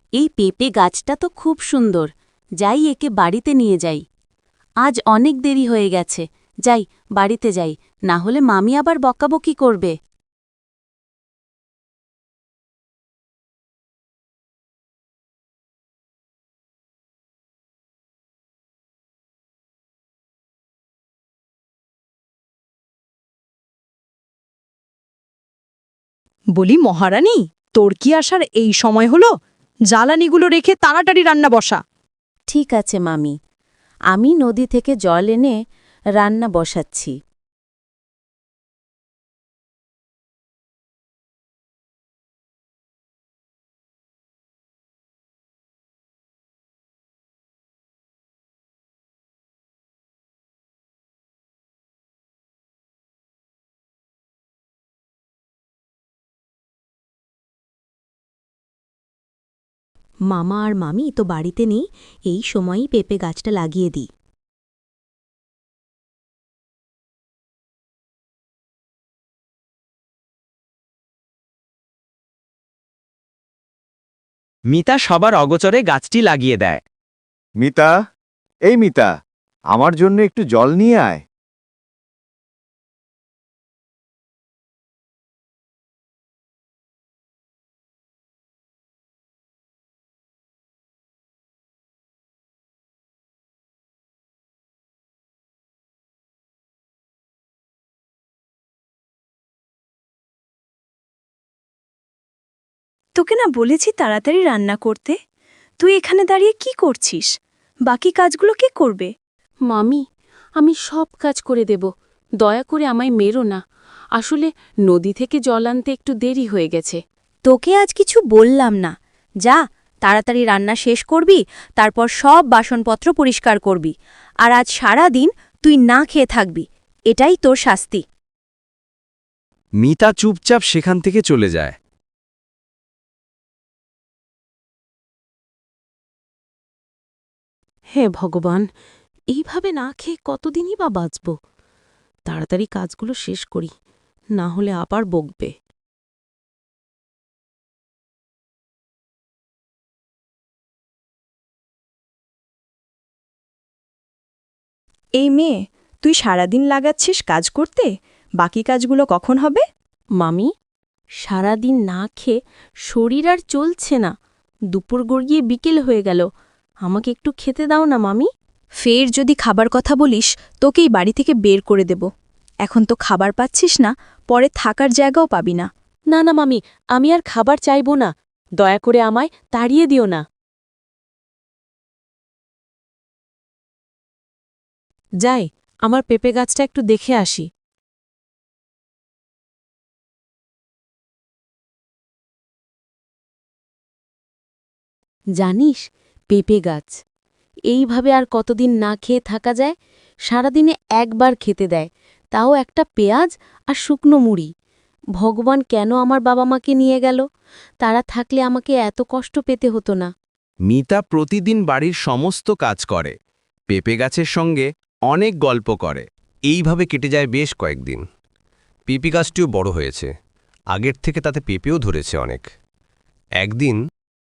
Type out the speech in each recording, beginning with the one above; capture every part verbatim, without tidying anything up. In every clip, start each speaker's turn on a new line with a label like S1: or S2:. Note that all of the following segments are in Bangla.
S1: এই পেঁপে গাছটা তো খুব সুন্দর, যাই একে বাড়িতে নিয়ে যাই। আজ অনেক দেরি হয়ে গেছে, যাই বাড়িতে যাই, না হলে মামি আবার বকাবকি করবে।
S2: বলি মহারানী, তোর কি আসার এই সময় হলো? জ্বালানিগুলো রেখে তাড়াতাড়ি রান্না বসা।
S1: ঠিক আছে মামি, আমি নদী থেকে জল এনে রান্না বসাচ্ছি। মামা আর মামি তো বাড়িতে নেই, এই সময়ই পেঁপে গাছটা লাগিয়ে দিই।
S3: মিতা সবার অগোচরে গাছটি লাগিয়ে দেয়।
S4: মিতা, এই মিতা, আমার জন্য একটু জল নিয়ে আয়।
S2: তোকে না বলেছি তাড়াতাড়ি রান্না করতে? তুই এখানে দাঁড়িয়ে কি করছিস? বাকি কাজগুলো কে করবে?
S1: মামি, আমি সব কাজ করে দেব, দয়া করে আমায় মেরো না। আসলে নদী থেকে জল আনতে একটু দেরি হয়ে গেছে।
S2: তোকে আজ কিছু বললাম না। যা, তাড়াতাড়ি রান্না শেষ করবি, তারপর সব বাসনপত্র পরিষ্কার করবি। আর আজ সারা দিন তুই না খেয়ে থাকবি, এটাই তোর শাস্তি।
S3: মিতা চুপচাপ সেখান থেকে চলে যায়।
S1: হে ভগবান, এইভাবে না খেয়ে কতদিনই বা বাঁচব? তাড়াতাড়ি কাজগুলো শেষ করি, না হলে আবার বকবে।
S2: এই মেয়ে, তুই সারাদিন লাগাচ্ছিস কাজ করতে, বাকি কাজগুলো কখন হবে?
S1: মামি, সারাদিন না খেয়ে শরীর আর চলছে না, দুপুর গড়িয়ে বিকেল হয়ে গেল, আমাকে একটু খেতে দাও না মামি।
S2: ফের যদি খাবার কথা বলিস, তোকেই বাড়ি থেকে বের করে দেব। এখন তো খাবার পাচ্ছিস না, পরে থাকার জায়গাও পাবি না।
S1: না না মামি, আমি আর খাবার চাইব না, দয়া করে আমায় তাড়িয়ে দিও না। যাই, আমার পেঁপে গাছটা একটু দেখে আসি। জানিস, পেঁপে গাছ এইভাবে আর কতদিন না খেয়ে থাকা যায়? সারাদিনে একবার খেতে দেয়, তাও একটা পেঁয়াজ আর শুকনো মুড়ি। ভগবান কেন আমার বাবা মাকে নিয়ে গেল? তারা থাকলে আমাকে এত কষ্ট পেতে হতো না।
S3: মিতা প্রতিদিন বাড়ির সমস্ত কাজ করে, পেঁপে গাছের সঙ্গে অনেক গল্প করে। এইভাবে কেটে যায় বেশ কয়েকদিন। পেঁপে গাছটিও বড় হয়েছে, আগের থেকে তাতে পেঁপেও ধরেছে অনেক। একদিন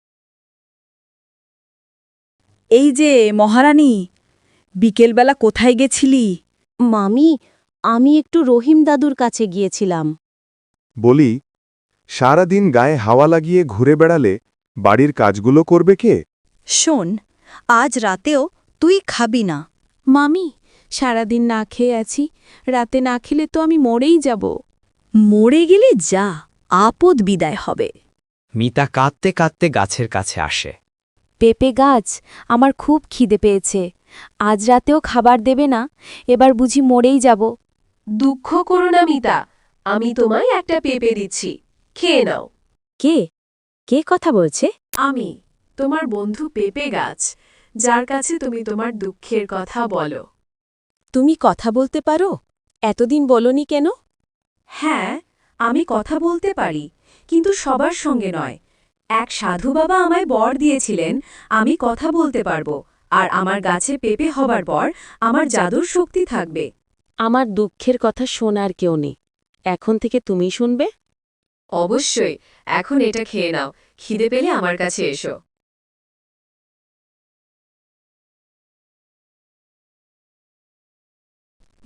S2: এই যে মহারানী, বিকেলবেলা কোথায় গেছিলি?
S1: মামি, আমি একটু রহিম দাদুর কাছে গিয়েছিলাম।
S4: বলি, সারাদিন গায়ে হাওয়া লাগিয়ে ঘুরে বেড়ালে বাড়ির কাজগুলো করবে কে?
S2: শোন, আজ রাতেও তুই খাবি না।
S1: মামি, সারাদিন না খেয়ে আছি, রাতে না খেলে তো আমি মরেই যাব।
S2: মরে গেলে যা, আপদ বিদায় হবে।
S3: মিতা কাঁদতে কাঁদতে গাছের কাছে আসে।
S1: পেঁপে গাছ, আমার খুব খিদে পেয়েছে, আজ রাতেও খাবার দেবে না? এবার বুঝি মরেই যাব।
S5: দুঃখ করো না মিতা, আমি তোমায় একটা পেঁপে দিচ্ছি, খেয়ে নাও।
S1: কে কে কথা বলছে?
S5: আমি তোমার বন্ধু পেঁপে গাছ, যার কাছে তুমি তোমার দুঃখের কথা বলো।
S1: তুমি কথা বলতে পারো? এতদিন বলনি কেন?
S5: হ্যাঁ, আমি কথা বলতে পারি, কিন্তু সবার সঙ্গে নয়। এক সাধু বাবা আমায় বর দিয়েছিলেন আমি কথা বলতে পারবো, আর আমার গাছে পেঁপে হবার পর আমার জাদুর শক্তি থাকবে।
S1: আমার দুঃখের কথা শোনার কেউ নেই, এখন থেকে তুমি শুনবে।
S5: অবশ্যই, এখন এটা খেয়ে নাও, খিদে পেলে আমার কাছে এসো।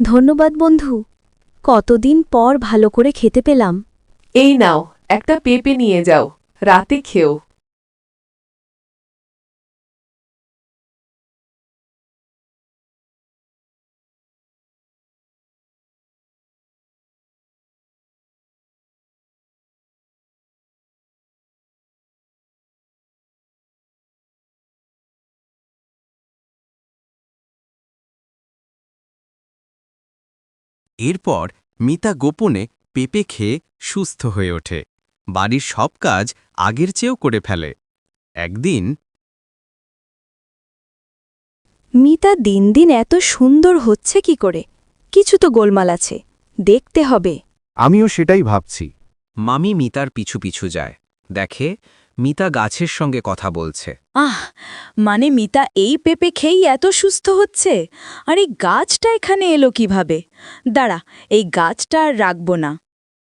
S2: ধন্যবাদ বন্ধু কতদিন পর ভালো করে খেতে পেলাম
S5: এই নাও একটা পেঁপে নিয়ে যাও রাতে খেও
S3: এরপর মিতা গোপনে পেঁপে খেয়ে সুস্থ হয়ে ওঠে বাড়ির সব কাজ আগের চেয়েও করে ফেলে একদিন
S2: মিতা দিন দিন এত সুন্দর হচ্ছে কি করে কিছু তো গোলমাল আছে দেখতে হবে
S4: আমিও সেটাই ভাবছি।
S3: মামি মিতার পিছু পিছু যায় দেখে মিতা গাছের সঙ্গে কথা বলছে
S2: আহ মানে মিতা এই পেঁপে খেয়েই এত সুস্থ হচ্ছে আর এই গাছটা এখানে এলো কিভাবে দাঁড়া এই গাছটা আর রাখব না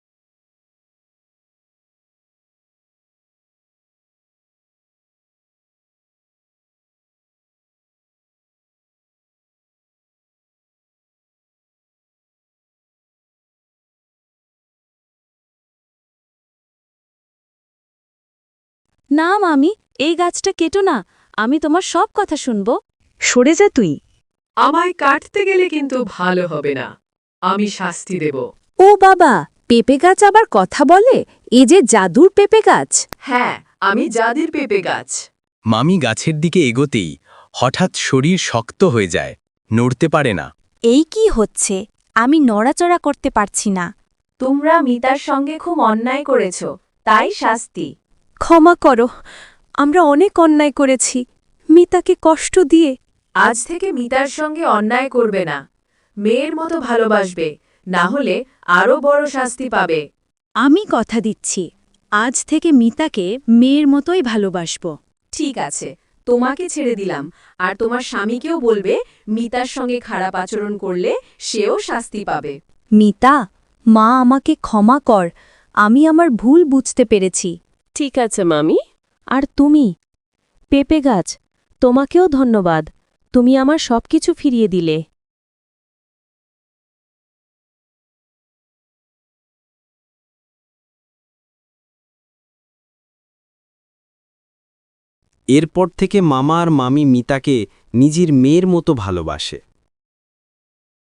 S1: না মামি এই গাছটা কেটো না আমি তোমার সব কথা শুনব
S2: সরে যা তুই
S5: আমায় কাটতে গেলে কিন্তু ভালো হবে না আমি শাস্তি দেব
S2: ও বাবা পেঁপে গাছ আবার কথা বলে এ যে জাদুর পেঁপে গাছ
S5: হ্যাঁ আমি জাদির পেঁপে গাছ
S3: মামি গাছের দিকে এগোতেই হঠাৎ শরীর শক্ত হয়ে যায় নড়তে পারে না
S2: এই কি হচ্ছে আমি নড়াচড়া করতে পারছি না
S5: তোমরা মিতার সঙ্গে খুব অন্যায় করেছ তাই শাস্তি
S2: ক্ষমা করো আমরা অনেক অন্যায় করেছি মিতাকে কষ্ট দিয়ে
S5: আজ থেকে মিতার সঙ্গে অন্যায় করবে না মেয়ের মতো ভালোবাসবে না হলে আরও বড় শাস্তি পাবে
S2: আমি কথা দিচ্ছি আজ থেকে মিতাকে মেয়ের মতোই ভালোবাসব
S5: ঠিক আছে তোমাকে ছেড়ে দিলাম আর তোমার স্বামীকেও বলবে মিতার সঙ্গে খারাপ আচরণ করলে সেও শাস্তি পাবে
S2: মিতা মা আমাকে ক্ষমা কর আমি আমার ভুল বুঝতে পেরেছি
S1: ঠিক আছে মামি আর তুমি পেঁপে গাছ তোমাকেও ধন্যবাদ তুমি আমার সবকিছু ফিরিয়ে দিলে
S3: এরপর থেকে মামা আর মামি মিতাকে নিজের মেয়ের মতো ভালোবাসে